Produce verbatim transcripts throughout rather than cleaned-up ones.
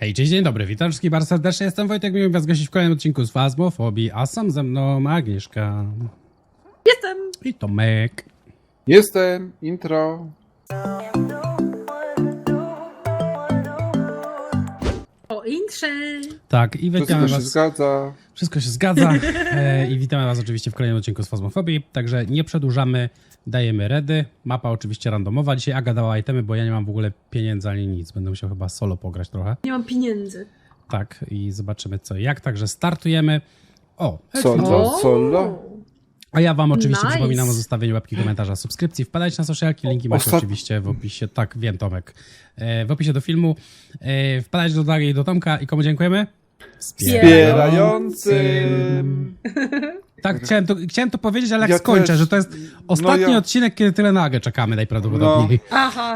Hej, cześć, dzień dobry, witam wszystkich bardzo serdecznie, jestem Wojtek, miło was gościć w kolejnym odcinku z Fazmofobii, a sam ze mną Agnieszka. Jestem! I Tomek. Jestem, intro. O intrze! Tak, i witamy Wszystko się was. zgadza. Wszystko się zgadza. E, I witamy was oczywiście w kolejnym odcinku z Fazmofobii, także nie przedłużamy, dajemy redy. Mapa oczywiście randomowa, dzisiaj Aga dała itemy, bo ja nie mam w ogóle pieniędzy ani nic, będę musiał chyba solo pograć trochę. Nie mam pieniędzy. Tak, i zobaczymy co i jak, także startujemy. O, Solo, solo. A ja wam oczywiście Nice. przypominam o zostawieniu łapki, komentarza, subskrypcji. Wpadajcie na socialki, linki macie Ostat- oczywiście w opisie. Tak, wiem Tomek. E, w opisie do filmu. E, wpadajcie do Dagi i do Tomka. I komu dziękujemy? Wspierającym. Tak, chciałem to, chciałem to powiedzieć, ale jak Ja skończę, też. że to jest ostatni No ja- odcinek, kiedy tyle na Agę czekamy najprawdopodobniej. Aha!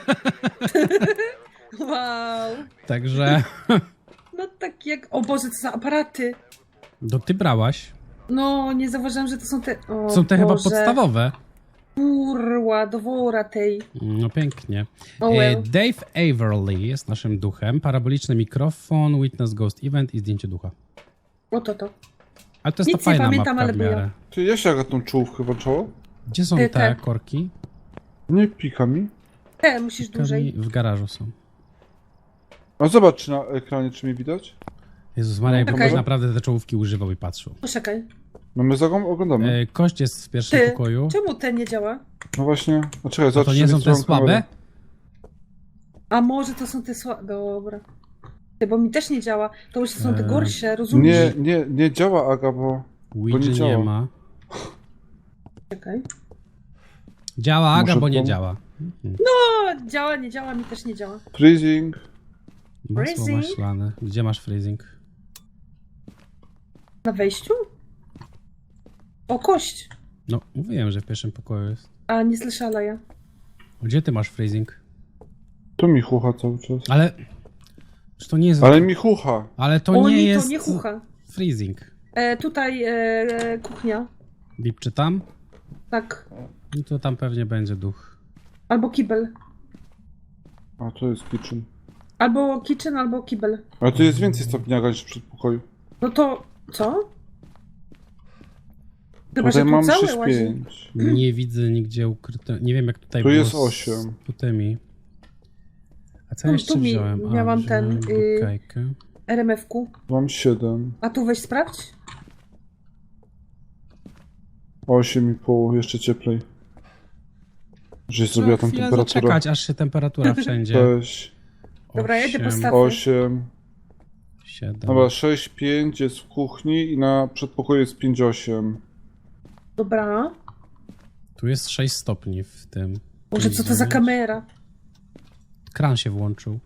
Wow! Także, No tak jak... O Boże, to są aparaty! no ty brałaś. No, nie zauważyłam, że to są te... O Są te chyba Boże. podstawowe. Kurła, do wora tej. No pięknie. Oh E, well. Dave Averly jest naszym duchem. Paraboliczny mikrofon, Witness Ghost Event i zdjęcie ducha. O to to. Ale to jest Nic ta nie fajna pamiętam, mapka ale w była. miarę. Czy jeszcze jak tą czołówkę włączało? Gdzie są Ty, te te. korki? Nie pika mi. E, musisz dłużej. W garażu są. A zobacz czy na ekranie, czy mnie widać. Jezus Maria, Okej. okay. naprawdę te czołówki używał i patrzył. Poczekaj. No my zagom oglądamy. E, kość jest w pierwszym Ty, pokoju. czemu ten nie działa? No właśnie. A czekaj, A zobacz, to czy nie są mi te swoją słabe? kamerę. A może to są te słabe... Dobra. Ty, bo mi też nie działa. To już są te Eee, gorsze, rozumiesz? Nie, nie, nie działa Aga, bo... Ouija nie nie, działa. ma. Czekaj. Działa Aga, Muszę bo nie pom- działa. O, działa, nie działa, mi też nie działa. Freezing. Masło Freezing? maślane. Gdzie masz freezing? Na wejściu? O, kość! No, mówiłem, że w pierwszym pokoju jest. A, nie słyszała ja. Gdzie ty masz freezing? To mi chucha cały czas. Ale... Czy to nie jest... Ale mi chucha. Ale to o, nie nie, jest... to nie chucha. freezing. E, tutaj e, e, kuchnia. Bip czy tam? Tak. No to tam pewnie będzie duch. Albo kibel. A to jest kitchen. Albo kitchen, albo kibel. Ale tu jest więcej stopni Aga niż w przedpokoju. No to... Co? Chyba, Tutaj że tu mam cały sześć łazi. pięć. Nie widzę nigdzie ukryte... Nie wiem jak tutaj Tu było jest z osiem. putymi. A co No, jeszcze tu mi- wziąłem? A, miałam wziąłem ten, y- bukajkę. R M F-ku. Mam siedem. A tu weź sprawdź. osiem i pół, jeszcze cieplej. Żeś zrobiła Trzeba tam chwilę temperaturę. zaczekać, aż się temperatura wszędzie... sześć, Dobra, ja idę po Osiem, stawę. osiem. siedem. Dobra, sześć pięć jest w kuchni i na przedpokoju jest pięć osiem. Dobra. Tu jest sześć stopni w tym. Boże, co to za kamera? Kran się włączył.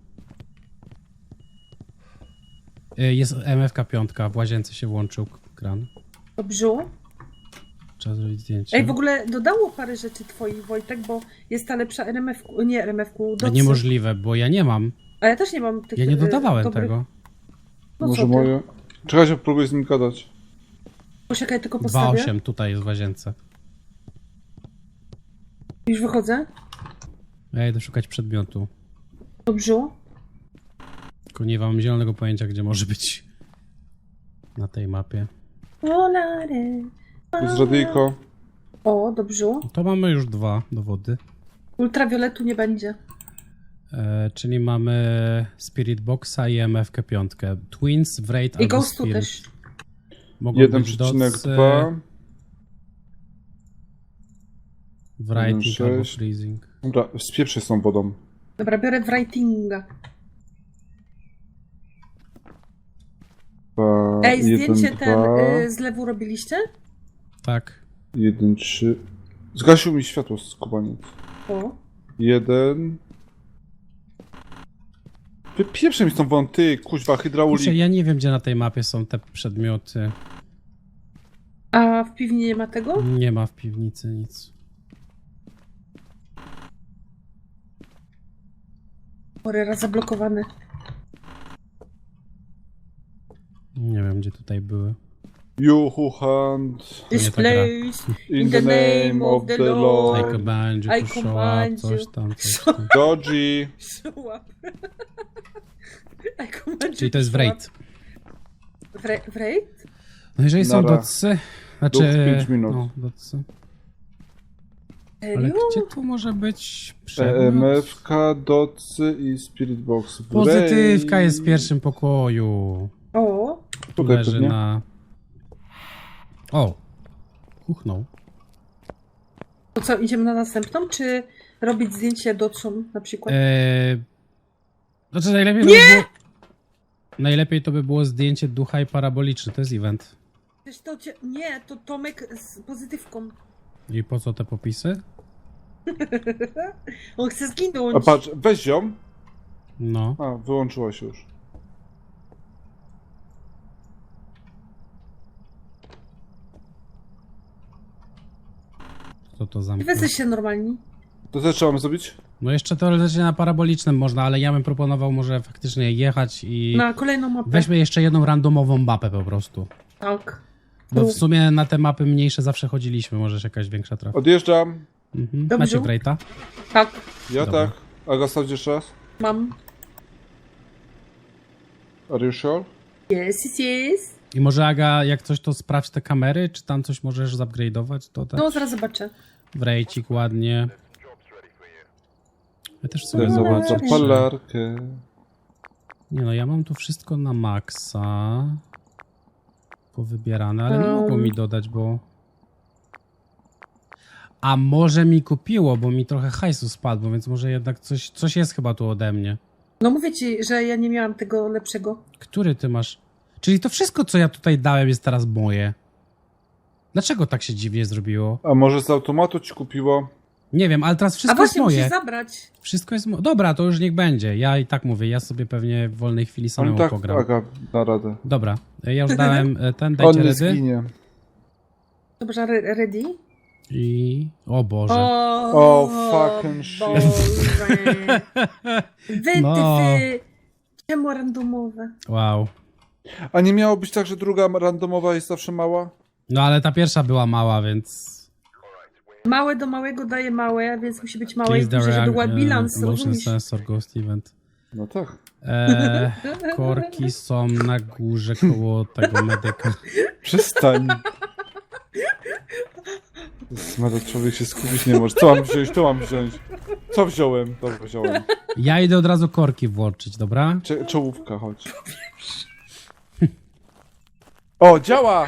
Y, Jest M F K pięć, w łazience się włączył k- kran. Dobrze. Trzeba zrobić zdjęcie. Ej, w ogóle dodało parę rzeczy twoich, Wojtek, bo jest ta lepsza R M F-ku. Nie R M F-ku, A docy. niemożliwe, bo ja nie mam. A ja też nie mam tych... Ja nie e, dodawałem dobrych- tego. No Może co ty? moje. Czekajcie, próbuję z nim gadać. Poczekaj, tylko dwa postawię. osiem tutaj jest w łazience. Już wychodzę. Ja idę szukać przedmiotu. Dobrze. Tylko nie mam zielonego pojęcia, gdzie może być na tej mapie. Olare. Tu jest radyjko. O, dobrze. To mamy już dwa dowody. Ultrawioletu nie będzie. E, czyli mamy Spirit Boxa i M F K pięć. Twins, Wraith I albo Ghostu Spirit. też. Mogą jeden być przecinek docy, dwa. Writing jeden albo sześć. Freezing. Dobra, spieprzę z tą wodą. Dobra, biorę writinga. Dwa, Ej, jeden, zdjęcie ten dwa, y, z lewu robiliście? Tak. jeden, trzy. Zgasił mi światło z kubaniec. O. Jeden. Wypieprzę mi z tą wodą, ty, kuźwa, hydraulik. Kurczę, ja nie wiem, gdzie na tej mapie są te przedmioty. A w piwni nie ma tego? Nie ma w piwnicy nic. Orera zablokowane. Nie wiem, gdzie tutaj były. You who hunt This nie ta gra. place in the name of the I Lord. command you I to show command up, coś you. tam, coś Show- tam. Dodgy. Show up. I Czyli to jest w raid. W, ra- w raid? No jeżeli są Nara. docy, znaczy... Duch pięć minut. No, docy. Ale Serio? gdzie tu może być E przedmiot? M F K, docy i Spirit Box. Pozytywka jest w pierwszym pokoju. O, Tu Tutaj leży pewnie. na... O! Kuchnął. to co, idziemy na następną, czy robić zdjęcie docom na przykład? Eee... Znaczy najlepiej to by było... Najlepiej to by było zdjęcie ducha i paraboliczny, to jest event. Przecież to cię... Nie, to Tomek z pozytywką. I po co te popisy? On chce zginąć. A patrz, weź ją. No. A, wyłączyła się już. Co to za... Wy jesteście normalni. To co trzeba zrobić? No jeszcze teoretycznie na parabolicznym można, ale ja bym proponował może faktycznie jechać i... Na kolejną mapę. Weźmy jeszcze jedną randomową mapę po prostu. Tak. Bo w sumie na te mapy mniejsze zawsze chodziliśmy, możesz jakaś większa trafi. Odjeżdżam. Mhm. Dobrze. Macie Wraita? Tak, Ja Dobra. tak. Aga, sprawdź jeszcze raz. mam. Are you sure? Yes, yes, yes. I może Aga, jak coś to sprawdź te kamery, czy tam coś możesz zupgrade'ować, to tak No, zaraz zobaczę. Wrejcik ładnie. Ja też w sumie Tutaj zobaczę. zobaczę palarkę. Nie no, ja mam tu wszystko na maksa. Powybierane, ale nie Um. mogło mi dodać, bo... A może mi kupiło, bo mi trochę hajsu spadło, więc może jednak coś, coś jest chyba tu ode mnie. No mówię ci, że ja nie miałam tego lepszego. Który ty masz? Czyli to wszystko, co ja tutaj dałem, jest teraz moje. Dlaczego tak się dziwnie zrobiło? A może z automatu ci kupiło? Nie wiem, ale teraz A wszystko jest właśnie, musisz moje. zabrać. Wszystko jest moje. Dobra, to już niech będzie. Ja i tak mówię, ja sobie pewnie w wolnej chwili On samemu tak, pogram. Aga, da radę. Dobra, ja już dałem e, ten, On dajcie nie redy. zginie. Dobrze, re- ready? I... O Boże. O, O, fucking shit. Boże. Wytyfy. No. Czemu randomowe? Wow. A nie miało być tak, że druga randomowa jest zawsze mała? No ale ta pierwsza była mała, więc... Małe do małego daje małe, więc musi być małe i Please the duże, żeby react- był bilans, e, Motion rozumiesz? sensor ghost event. No tak. Eee, korki są na górze koło tego medyka. Przestań. Smara, człowiek się skupić nie może. Co mam wziąć? To mam wziąć. Co wziąłem? Dobra, wziąłem. Ja idę od razu korki włączyć, dobra? Cze czołówka, chodź. O, działa!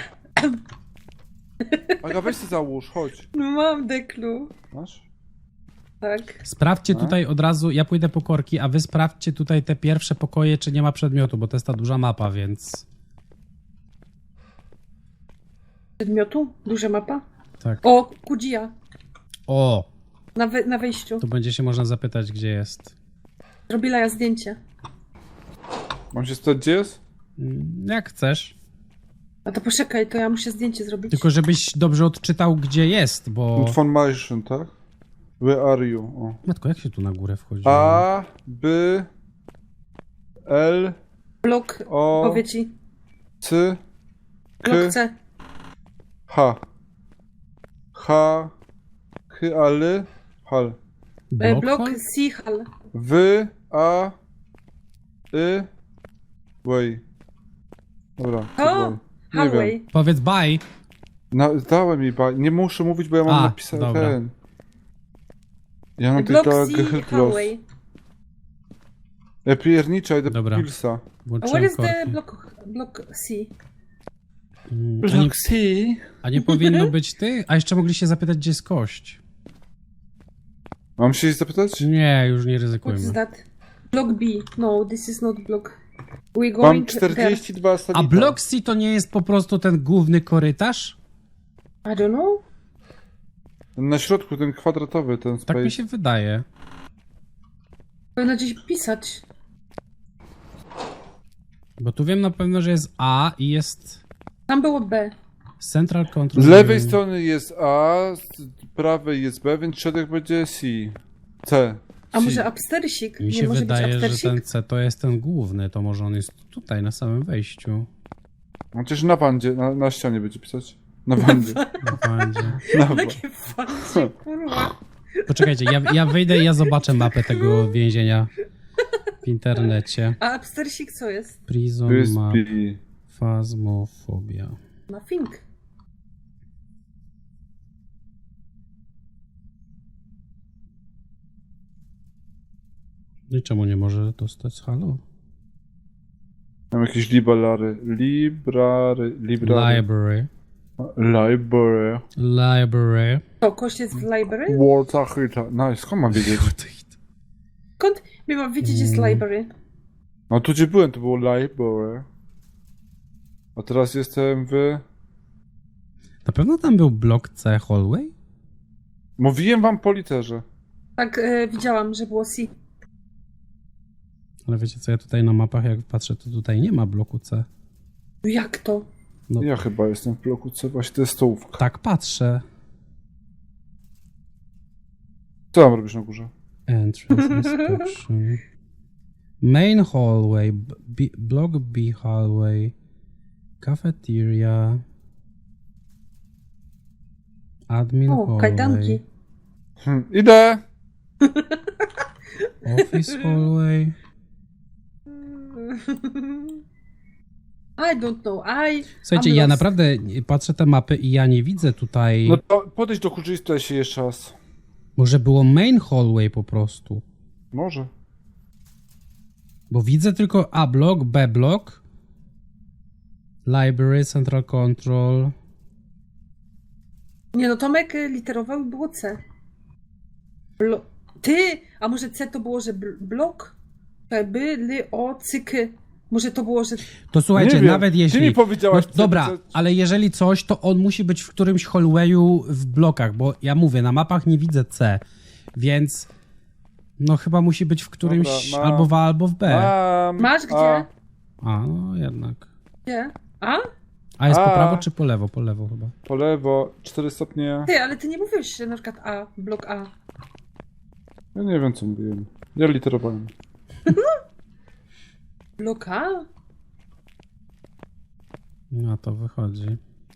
Aga, weź się załóż, chodź. No mam deklu. Masz? Tak. Sprawdźcie A? tutaj od razu, ja pójdę po korki, a wy sprawdźcie tutaj te pierwsze pokoje, czy nie ma przedmiotu, bo to jest ta duża mapa, więc... Przedmiotu? Duża mapa? Tak. O, Kudzija. O! Na, we na wejściu. To będzie się można zapytać, gdzie jest. Zrobiła ja zdjęcie. Mam się spytać, gdzie jest? Mm, Jak chcesz. A to poczekaj, to ja muszę zdjęcie zrobić. Tylko żebyś dobrze odczytał, gdzie jest, bo... Information, tak? Where are you? O. Matko, jak się tu na górę wchodzi? A, B, L, Blok, O, powie ci. C, Blok K, C. H. H, H, L, Hal. E, Block Blok hall? C, hal. W, A, Y, Way. Dobra, O, dobra. Nie wiem. hallway. Powiedz bye. Na, dałem jej ba... Nie muszę mówić, bo ja mam A, napisane dobra. ten. Ja mam Blok tylko C, Gehiltlos. hallway. Ja pierniczę, idę Dobra. po Pilsa. A where Włączyłem is the korki. block, block C? Mm, A nie, C. a nie powinno być ty? A jeszcze mogliście zapytać, gdzie jest kość. Mam się jej zapytać? Nie, już nie What is ryzykujmy. that? Block B. No, this is not block. We Mam going czterdzieści dwa salita. A blok C to nie jest po prostu ten główny korytarz? there. I don't know. Na środku, ten kwadratowy, ten space. Tak mi się wydaje. Powinno gdzieś pisać. Bo tu wiem na pewno, że jest A i jest Tam było B. Central Control. Z lewej Room. strony jest A, z prawej jest B, więc środek będzie C. C. A C. może upstersik? Mi Nie się może wydaje, być że upstersik? ten C to jest ten główny, to może on jest tutaj, na samym wejściu. Chociaż na wandzie, na, na ścianie będzie pisać. Na wandzie. Będzie. Na wa- Takie fancie, kurwa. Poczekajcie, ja, ja wyjdę i ja zobaczę mapę tego więzienia. w internecie. A Abstersik co jest? Prison Map, Wyspy. Fazmofobia. Nothing. No i czemu nie może dostać halo? Mam jakieś library. Library. Library. Library. Library. Library. To kość jest w library? Walta Hita. Nice, skąd mam wiedzieć? Skąd my mam wiedzieć, jest Mm. library? No tu gdzie byłem, to było library. A teraz jestem w... Na pewno tam był blok C hallway? Mówiłem wam po literze. Tak, e, widziałam, że było C. Ale wiecie co, ja tutaj na mapach jak patrzę, to tutaj nie ma bloku C. Jak to? No. Ja chyba jestem w bloku C, właśnie to jest stołówka. Tak patrzę. Co tam robisz na górze? Entrance inspection. Main hallway, b- B, block B hallway, cafeteria, admin O, hallway, kajdanki. Hm, idę! office hallway. I don't know, I... Słuchajcie, I'm ja lost. naprawdę patrzę te mapy i ja nie widzę tutaj... No to podejdź do kurczy i spytaj się jeszcze raz. Może było main hallway po prostu. Może. Bo widzę tylko A block, B block, library, central control. Nie no, Tomek e, literował i było C. Blo... Ty! A może C to było, że bl blok? E, By, ly, o, cyk. Może to było, że... To słuchajcie, Nie wiem. nawet Ty jeśli... mi powiedziałaś, no, co- dobra, co- ale jeżeli coś, to on musi być w którymś hallwayu w blokach, bo ja mówię, na mapach nie widzę C, więc no chyba musi być w którymś Dobra, ma- albo w A, albo w B. Mam, Masz gdzie? A, A, no jednak. Gdzie? A? A jest po A. prawo czy po lewo? Po lewo chyba. po lewo, cztery stopnie. Ty, ale ty nie mówiłeś, że na przykład A, blok A. Ja nie wiem co mówiłem. Ja literowałem. Blok A? No to wychodzi.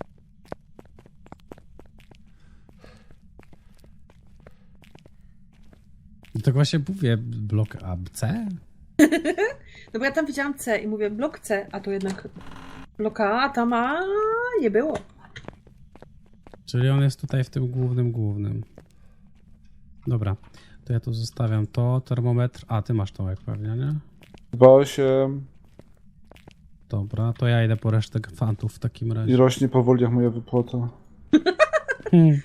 I tak właśnie mówię, blok A, C? No bo ja tam widziałam C i mówię blok C, a tu jednak blok A, a tam A nie było. Czyli on jest tutaj w tym głównym, głównym. Dobra, to ja tu zostawiam to, termometr. A, ty masz to jak pewnie, nie? dwa osiem Dobra, to ja idę po resztę fantów w takim i razie. rośnie powoli jak moja wypłata. Hmm.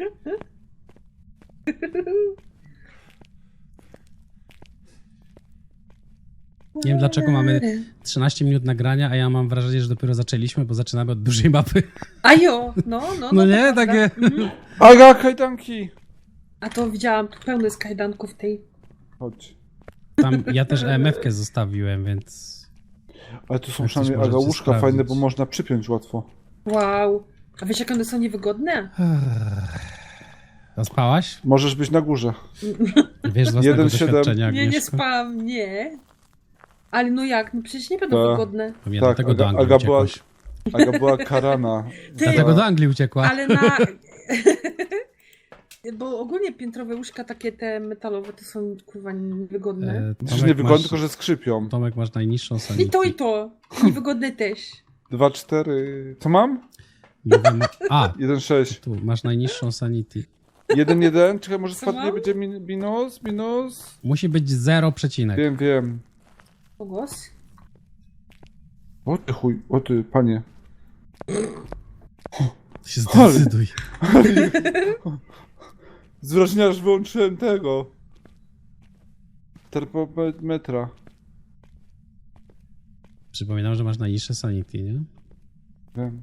Nie wiem dlaczego mamy trzynaście minut nagrania, a ja mam wrażenie, że dopiero zaczęliśmy, bo zaczynamy od dużej mapy. A jo, no, no. No to nie, prawda. takie... Mhm. Aga, kajdanki! A to widziałam, tu pełno jest kajdanków tej. Chodź. Tam ja też E M F-kę zostawiłem, więc... Ale tu są Jak coś przynajmniej Aga możecie łóżka sprawdzić. fajne, bo można przypiąć łatwo. Wow. A wiesz jak one są niewygodne? Zaspałaś? Możesz być na górze. Wiesz z własnego Jeden, siedem. doświadczenia, Nie, nie Agnieszko? spałam, nie. Ale no jak, no przecież nie będą Ta. wygodne. To mnie Tak, dlatego do Aga- Anglii Aga była- uciekłaś. Aga była karana. Ty, Dlatego do Anglii uciekła. ale na... Bo ogólnie piętrowe łóżka takie te metalowe to są kurwa niewygodne. E, Przecież Tomek, nie wygodne, masz, tylko że skrzypią. Tomek, masz najniższą sanity. I to i to. Niewygodne też. dwa cztery. Co mam? Mówimy... A, jeden sześć. tu, masz najniższą sanity. jeden jeden. Czekaj, może Co spadnie, mam? będzie min- minus, minus. Musi być zero przecinek. Wiem, wiem. Pogłos? O ty chuj, o ty, panie. To się zdecyduj. Zwrażnia, że wyłączyłem tego. Termometra. Przypominam, że masz najniższe sanity, nie? Wiem.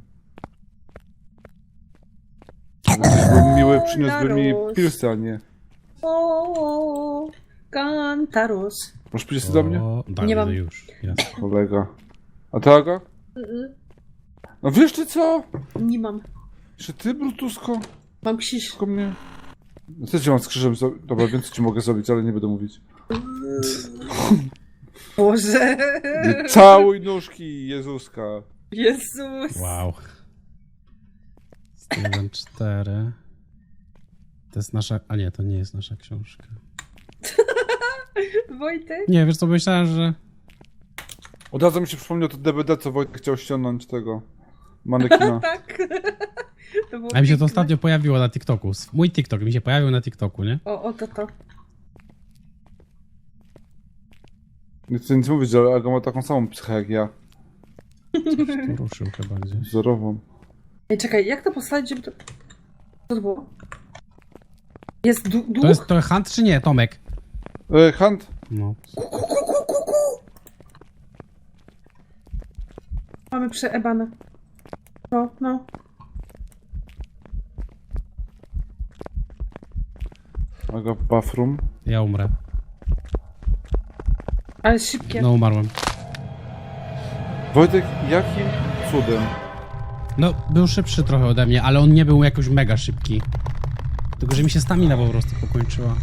Był miły, przyniósłby mi Naród. pilsy, a nie. O, Kantaros. Masz pilsy do mnie? O, tak, Nie no mam. już, jasne. Kolega. A ty, Aga? Mm, No wiesz ty co? Nie mam. Czy ty, Brutusko? Mam krzyż. Tylko mnie? No też cię mam z krzyżem zro... Dobra, wiem co ci mogę zrobić, ale nie będę mówić. Boże. Nie całuj nóżki Jezuska. Jezus. Wow. jeden cztery. To jest nasza... A nie, to nie jest nasza książka. Wojtek? Nie, wiesz co, myślałem, że... Od razu mi się przypomniał to D V D, co Wojtek chciał ściągnąć tego manekina. Tak. To było A mi się to piękne. ostatnio pojawiło na TikToku. Mój TikTok mi się pojawił na TikToku, nie? O, o to to. Nie chcę nic mówić, ale Aga ma taką samą psychę jak ja. To ruszył chyba gdzieś. Wzorową. Ej, czekaj, jak to postawić, żeby to... Co to było? Jest du duch? To jest to Hunt czy nie, Tomek? E, Hunt? No. Ku, ku, ku, ku, ku, ku. Mamy przeebane. No, no. Aga w bathroom. Ja umrę. Ale szybkie. No umarłem. Wojtek, jakim cudem? No, był szybszy trochę ode mnie, ale on nie był jakoś mega szybki. Tylko, że mi się stamina po prostu pokończyła.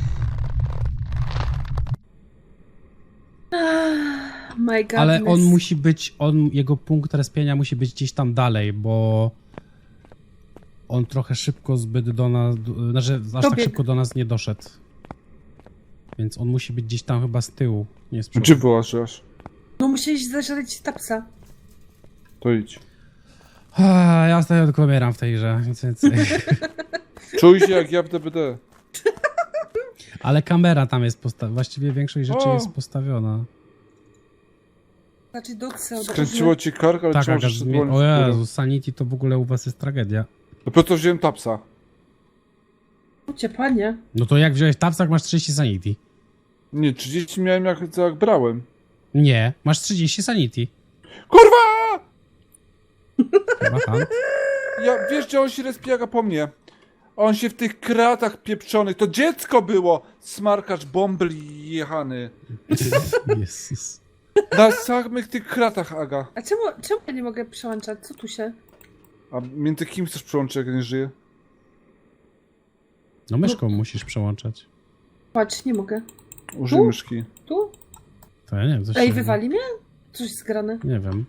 My God. Ale on musi być, on, jego punkt respienia musi być gdzieś tam dalej, bo on trochę szybko zbyt do nas, do- znaczy aż tak Dobiegł. szybko do nas nie doszedł. Więc on musi być gdzieś tam chyba z tyłu, nie z Gdzie przodu. byłaś aż? No musieliś zażreć tapsa. To idź. Ah, ja ostatnio tylko umieram w tej grze, nic więcej. Czuj się jak ja w D V D. Ale kamera tam jest postawiona, właściwie większość rzeczy O! jest postawiona. Znaczy do C. Skręciło ci kark, ale Tak, trzeba Aga, jeszcze zmie- dłoń w o górę. Jezu, Sanity to w ogóle u was jest tragedia. Dopiero co wziąłem tapsa. Cię, panie. No to jak wziąłeś tapsak, masz trzydzieści Sanity. Nie, trzydzieści miałem jak, jak brałem. Nie, masz trzydzieści Sanity. Kurwa! Chyba Hunt. Ja, wiesz, gdzie on się respiaga po mnie? On się w tych kratach pieprzonych. To dziecko było! Smarkacz bombli jechany. Jezus. Na samych tych kratach, Aga. A czemu, czemu ja nie mogę przełączać? Co tu się? A między kim chcesz przyłączyć, jak nie żyje? No myszką musisz przełączać. Patrz, nie mogę. Użyj Tu? myszki. Tu? To ja nie wiem, coś Ej, się- wywali mnie? Coś jest zgrane. Nie wiem.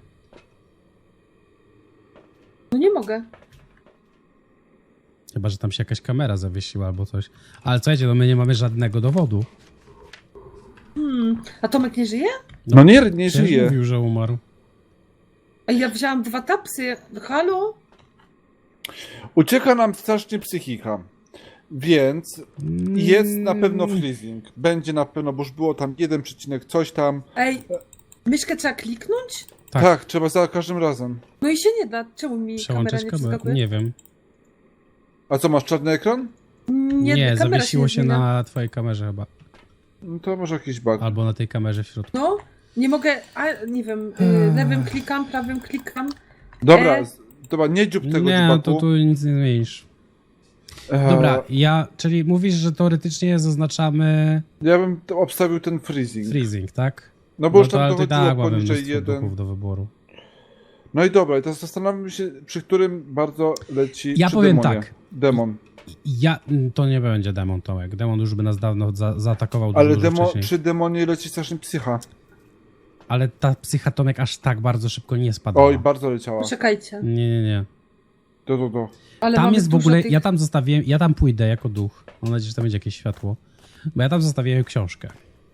No nie mogę. Chyba, że tam się jakaś kamera zawiesiła albo coś. Ale słuchajcie, no my nie mamy żadnego dowodu. Hmm. A Tomek nie żyje? No nie, nie Przecież żyje. mówił, że umarł. A ja wzięłam dwa tapsy. Halo? Ucieka nam strasznie psychika. Więc jest na pewno Mm. freezing. Będzie na pewno, bo już było tam jeden przecinek coś tam. Ej, myszkę trzeba kliknąć? Tak. Tak, trzeba za każdym razem. No i się nie da. Czemu mi kamera Przełączać nie kamerę. przeskakuje? Nie wiem. A co, masz czarny ekran? Nie, Nie, kamera zawiesiło się zmienia. na twojej kamerze chyba. No to może jakiś bug. Albo na tej kamerze w środku. No, nie mogę, a nie wiem, y, lewym klikam, prawym klikam. Dobra, E? z- dobra, nie dziób tego Nie, dzibaku. to tu nic nie zmienisz. E, Dobra, ja, czyli mówisz, że teoretycznie zaznaczamy Ja bym to obstawił ten freezing. freezing, tak? No bo już to, tam ale to i dochodziło tak mamy poniżej mnóstwo jeden. duchów do wyboru. No i dobra, i teraz zastanawiam się, przy którym bardzo leci. Ja przy powiem demonie. tak. Demon. Ja, to nie będzie demon, Tomek. Demon już by nas dawno za, zaatakował dużo, Ale dużo demo, wcześniej. przy demonie leci strasznie psycha. Ale ta psycha, Tomek, aż tak bardzo szybko nie spadała. Oj, bardzo leciała. Poczekajcie. Nie, nie, nie. Do, do, do. Ale Tam mamy jest w dużo ogóle, tych... ja tam zostawiłem, ja tam pójdę jako duch. Mam nadzieję, że tam będzie jakieś światło. Bo ja tam zostawiłem książkę.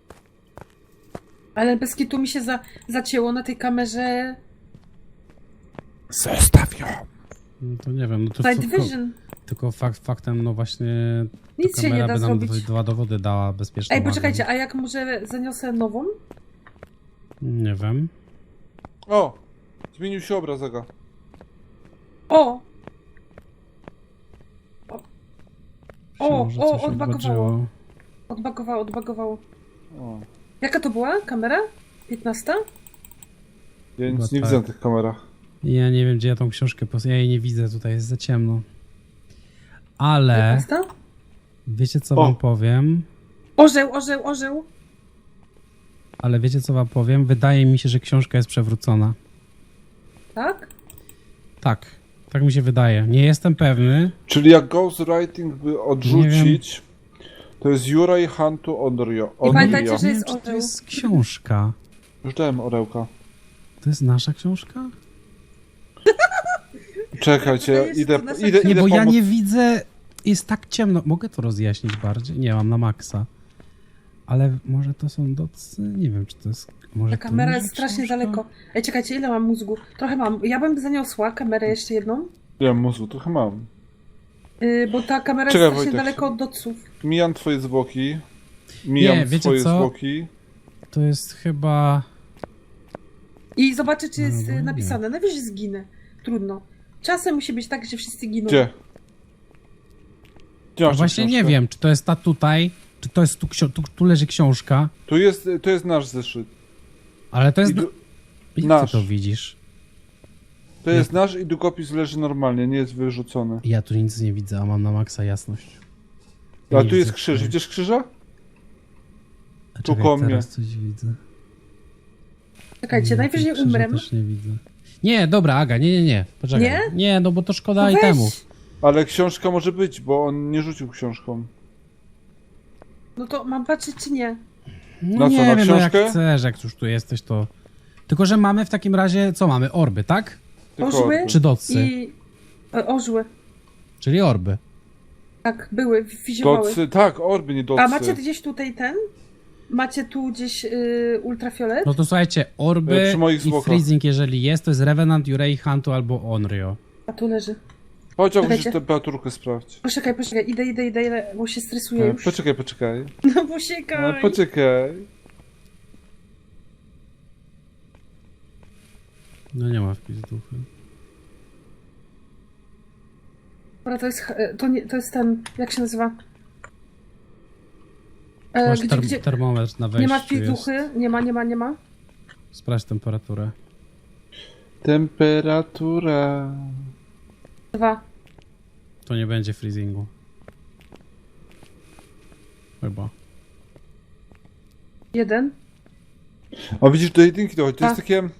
Ale bez kitu mi się za, zacięło na tej kamerze Zostaw ją. No to nie wiem, no to Night tylko, Vision. tylko fakt faktem, no właśnie Nic ta się nie kamera da by nam zrobić. dwa dowody dała bezpiecznie. Ej, poczekajcie, a jak może zaniosę nową? Nie wiem. O! Zmienił się obraz, Aga. O! O, Może o, coś odbagowało. odbaczyło. Odbagowało, odbagowało. O. Jaka to była kamera? piętnasta? Ja nic Chyba nie tak. widzę na tych kamerach. Ja nie wiem, gdzie ja tą książkę pos... Ja jej nie widzę, tutaj jest za ciemno. Ale piętnasta? wiecie, co O. wam powiem? Orzeł, orzeł, orzeł. Ale wiecie, co wam powiem? Wydaje mi się, że książka jest przewrócona. Tak? Tak, tak mi się wydaje. Nie jestem pewny. Czyli jak ghostwriting by odrzucić, to jest Juraj Hantu Onryo. I pamiętajcie, Onryo. że Nie jest wiem, czy to orzeł. jest książka. Już dałem orełka. To jest nasza książka? Czekajcie, Wydaje się, że idę, to nasza idę, książka. Nie, idę bo ja pomóc. nie widzę. Jest tak ciemno. Mogę to rozjaśnić bardziej? Nie, mam na maksa. Ale może to są docy? Nie wiem, czy to jest... Może Ta to kamera może jest strasznie książka? daleko. Ej, czekajcie, ile mam mózgu? Trochę mam. Ja bym zaniosła kamerę jeszcze jedną, Ja mózgu trochę mam. yy, bo ta kamera Czekaj, jest strasznie Wojtek. daleko od doców. Mijam twoje zwłoki. Mijam Nie, wiecie twoje co? zwłoki. To jest chyba... I zobaczę, czy jest No, yy, nie. napisane. Najwyżej zginę. Trudno. Czasem musi być tak, że wszyscy giną. Gdzie? Gdzie No masz tę właśnie nie książkę? wiem, czy to jest ta tutaj, czy to jest tu, ksio- tu, tu leży książka, Tu jest, to jest nasz zeszyt. ale to jest... I du- Jak nasz. ty to widzisz? To jest nasz i długopis leży normalnie, nie jest wyrzucony. Ja tu nic nie widzę, a mam na maksa jasność. A Nie tu jest widzę krzyż. tutaj. Widzisz krzyża? A tu czekaj, koło mnie. teraz coś widzę. Czekajcie, Nie, najwyżej krzyża umrę. też nie widzę. Nie, dobra, Aga, nie, nie, nie. Poczekaj. Nie? Nie, no bo to szkoda No weź. itemów. Ale książka może być, bo on nie rzucił książką. No to mam patrzeć, czy nie? No Na co, nie na wiem, no jak książkę? chcesz, jak już tu jesteś, to... Tylko, że mamy w takim razie, co mamy? Orby, tak? Tylko Orzły? Czy docy? I... e, Orzły. Czyli orby. Tak, były, wizjowały. Docy, tak, orby, nie docy. A macie gdzieś tutaj ten? Macie tu gdzieś yy, ultrafiolet? No to słuchajcie, orby E, przy moich i zwłokach. freezing, jeżeli jest, to jest Revenant, Yurei, Hantu albo Onryo. A tu leży. Chodź, Aguś, Czekajcie. temperaturkę sprawdź. Poczekaj, poczekaj, idę, idę, idę, idę, bo się stresuję E, już. Poczekaj, poczekaj. No E, poczekaj. Poczekaj. No nie ma wpis duchy. Dobra, to jest, e, to, nie, to jest ten, jak się nazywa? E, Masz gdzie, term gdzie? termometr na wejściu Nie ma jest. wpizduchy? Nie ma, nie ma, nie ma? Sprawdź temperaturę. Temperatura. Dwa. To nie będzie freezingu. Chyba. Jeden. O, widzisz, do jedynki dochodzi. To jest A. takie...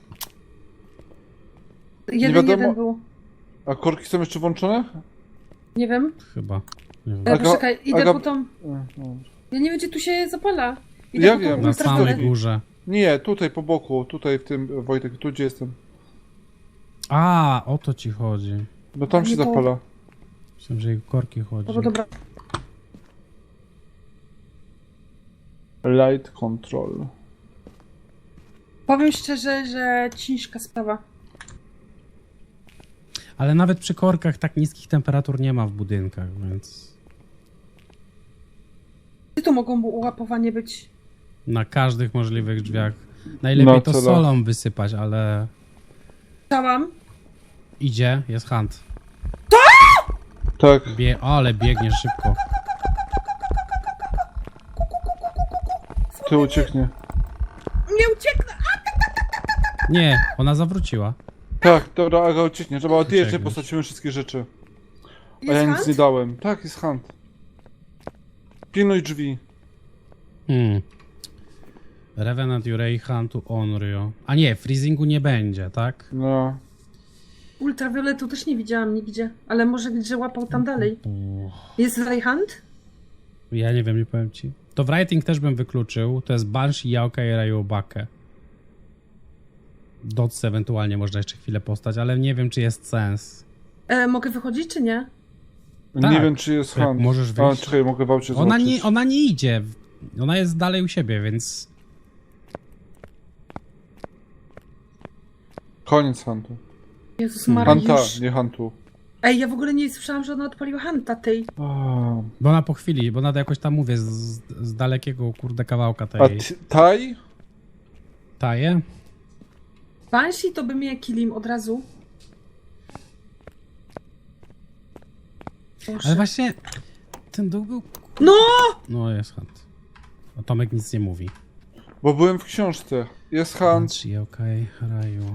Jeden, wiadomo- jeden był. A korki są jeszcze włączone? Nie wiem. Chyba. Nie wiem. E, Aga- poczekaj, idę Aga- po tą... E, no. Ja nie wiem, gdzie tu się zapala. Idę Ja po tą wiem. Na ultrafiolet. samej górze. Nie, tutaj po boku, tutaj w tym, Wojtek, tu gdzie jestem. A, o to ci chodzi. No tam Nie się to- zapala. Myślałem, że jej korki chodzi. Dobra, dobra. Light control. Powiem szczerze, że ciężka sprawa. Ale nawet przy korkach tak niskich temperatur nie ma w budynkach, więc... Gdzie tu mogą ułapowanie być? Na każdych możliwych drzwiach. Najlepiej No, to co da. solą wysypać, ale... Chciałam. Idzie, jest hunt. Tak. Bie... O, ale biegnie szybko. Ty ucieknie. Nie ucieknę! Nie, ona zawróciła. Tak, dobra, Aga ucieknie. Trzeba odjeżdżać, Uciekniesz. postracimy wszystkie rzeczy. A Jest ja nic hunt? nie dałem. Tak, jest hunt. Pilnuj drzwi. Hmm. Revenant, Yurei, Huntu, Onryo. A nie, freezingu nie będzie, tak? No. Ultrawioletu też nie widziałam nigdzie. Ale może gdzie łapał tam dalej. Uff. Jest Rayhand? Ja nie wiem, nie powiem ci. To w writing też bym wykluczył. To jest Banshee, Yaokai, Rayobake. Dots ewentualnie można jeszcze chwilę postać, ale nie wiem, czy jest sens. E, mogę wychodzić, czy nie? Nie Tak. wiem, czy jest Jak hunt. możesz A, wyjść. czekaj, mogę wałcie Ona zobaczyć. nie, ona nie idzie. Ona jest dalej u siebie, więc... Koniec huntu. Jezus Hmm. Maria, Hunta, już. nie huntu. Ej, ja w ogóle nie słyszałam, że ona odpaliła Hanta tej. A, Bo ona po chwili, bo ona jakoś tam mówię z, z dalekiego, kurde, kawałka A tej ty- Taj? taje. Banshee to by mnie kilim od razu. Boże. Ale właśnie ten duch był... No! No, jest hunt. A Tomek nic nie mówi. Bo byłem w książce. Jest hunt. Banshee, okej, Raju.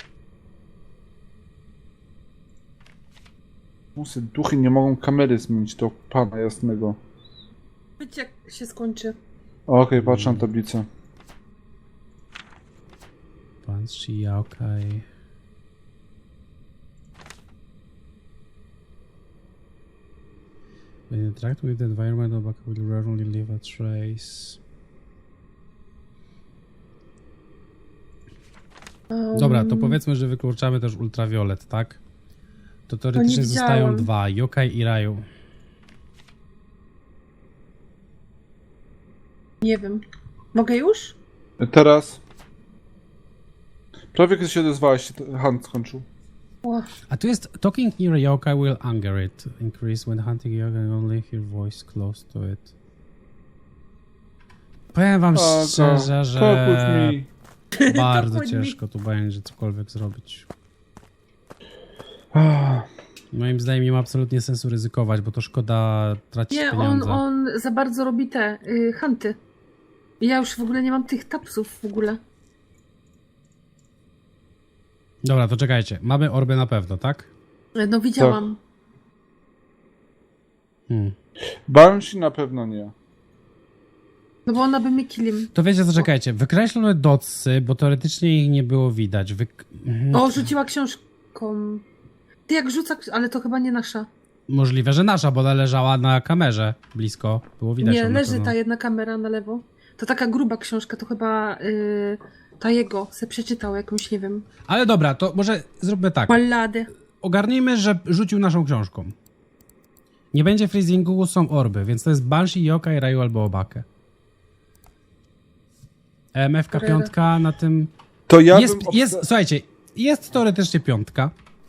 Musy, duchy nie mogą kamery zmienić do pana jasnego. Wiecie jak się skończy. Okej, patrzę na tablicę. Banshee, okej. When you interact with the environment, the bucket will rarely leave a trace. Um, Dobra, to powiedzmy, że wykluczamy też ultrawiolet, tak? To teoretycznie nie zostają widziałam. dwa, Yokai i Raju. Nie wiem. Mogę już? Teraz. Prawie kiedy się odezwałeś, się ten hunt skończył. O, A tu jest talking near a yokai will anger it. Increase when hunting yokai only hear voice close to it. Powiem wam A, szczerze, to- że talk with me. bardzo Talk with me. ciężko tu będzie cokolwiek zrobić. Ah, Moim zdaniem nie ma absolutnie sensu ryzykować, bo to szkoda tracić nie, on, pieniądze. on za bardzo robi te y, hunty. Ja już w ogóle nie mam tych tapsów w ogóle. Dobra, to czekajcie. Mamy orby na pewno, tak? No widziałam. Hmm. Banshee na pewno nie. No bo ona by mnie killim. To wiecie co, czekajcie. Wykreślone dotsy, bo teoretycznie ich nie było widać. Wyk... Mhm. O, rzuciła książką. Ty jak rzuca, ale to chyba nie nasza. Możliwe, że nasza, bo ona leżała na kamerze blisko. Było widać Nie, ją na leży pewno. ta jedna kamera na lewo. To taka gruba książka, to chyba y, ta jego se przeczytał jakąś, nie wiem, Ale dobra, to może zróbmy tak. balladę. Ogarnijmy, że rzucił naszą książką. Nie będzie freezingu, są orby, więc to jest Banshee, Yokai, Raju albo Obakę. E M F-ka Dobra. piątka na tym... To ja jest, bym jest, obsta- słuchajcie, jest teoretycznie piątka.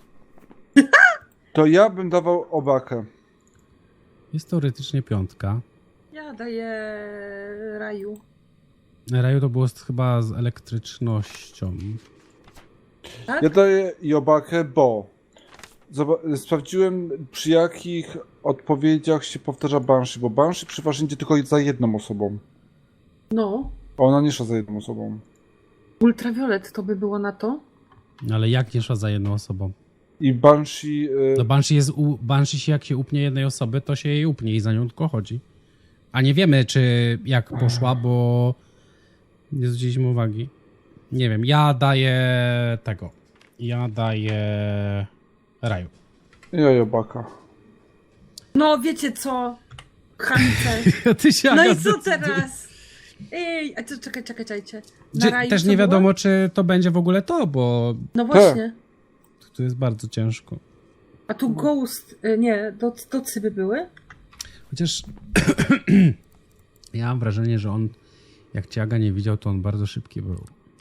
To ja bym dawał obakę. Jest teoretycznie piątka. Ja daję raju. Raju to było z, chyba z elektrycznością. Tak? Ja daję i obakę, bo zoba- sprawdziłem przy jakich odpowiedziach się powtarza Banshee, bo Banshee przeważnie idzie tylko za jedną osobą. No. A ona nie szła za jedną osobą. Ultrawiolet to by było na to. Ale jak nie szła za jedną osobą? I Banshee... Y- No Banshee, jest u, Banshee się jak się upnie jednej osoby, to się jej upnie i za nią tylko chodzi. A nie wiemy, czy jak poszła, bo nie zwróciliśmy uwagi. Nie wiem, ja daję tego. Ja daję Raju. ja i obaka. No wiecie co? Chamice. Ty się, No i Aga, co teraz? Ej, a co, czekaj, czekaj, czekajcie. Na Czy, raju też co nie było? wiadomo, czy to będzie w ogóle to, bo No właśnie. tu jest bardzo ciężko. A tu ghost, y, nie, doc, docy by były? Chociaż ja mam wrażenie, że on, jak cię Aga nie widział, to on bardzo szybki był.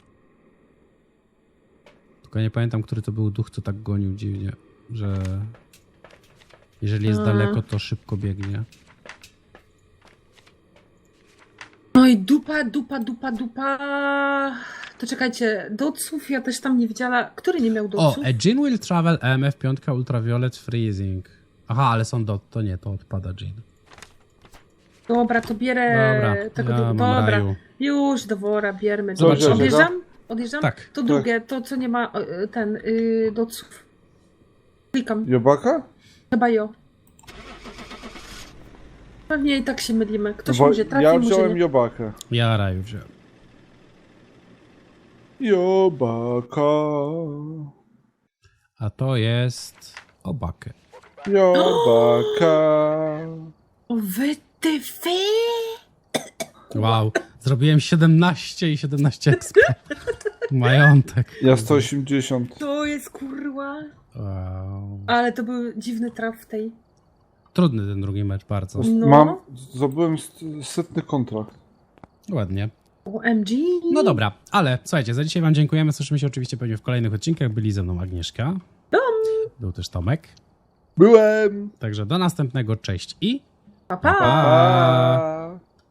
Tylko nie pamiętam, który to był duch, co tak gonił dziwnie, że jeżeli jest A. daleko, to szybko biegnie. No i dupa, dupa, dupa, dupa. To czekajcie, doców ja też tam nie widziała. Który nie miał O, doców? a Jin will travel E M F pięć Ultraviolet Freezing. Aha, ale są dot, to nie, to odpada Jin. Dobra, to bierę Dobra, tego ja du- mam Dobra, Raju. już do wora bierzmy. Zobaczymy, Odjeżdżam? Odjeżdżam? Tak. To drugie, to co nie ma y, ten y, doców. Klikam, I obaka? chyba jo. Pewnie i tak się mylimy. Ktoś Bo może trafi, ja może wziąłem nie. i obakę. Ja Raju wziąłem. I obaka. A to jest Obakę. I obaka. O wy ty fy! Wow, zrobiłem siedemnaście i siedemnaście expa. Majątek. Ja sto osiemdziesiąt. To jest kurwa. Wow. Ale to był dziwny traf w tej. Trudny ten drugi mecz, bardzo. No. Mam, zdobyłem st- setny kontrakt. Ładnie. O M G. No dobra, ale słuchajcie, za dzisiaj wam dziękujemy. Słyszymy się oczywiście pewnie w kolejnych odcinkach. Byli ze mną Agnieszka. Był też Tomek. Byłem! Także do następnego, cześć i Pa, pa. pa! Pa!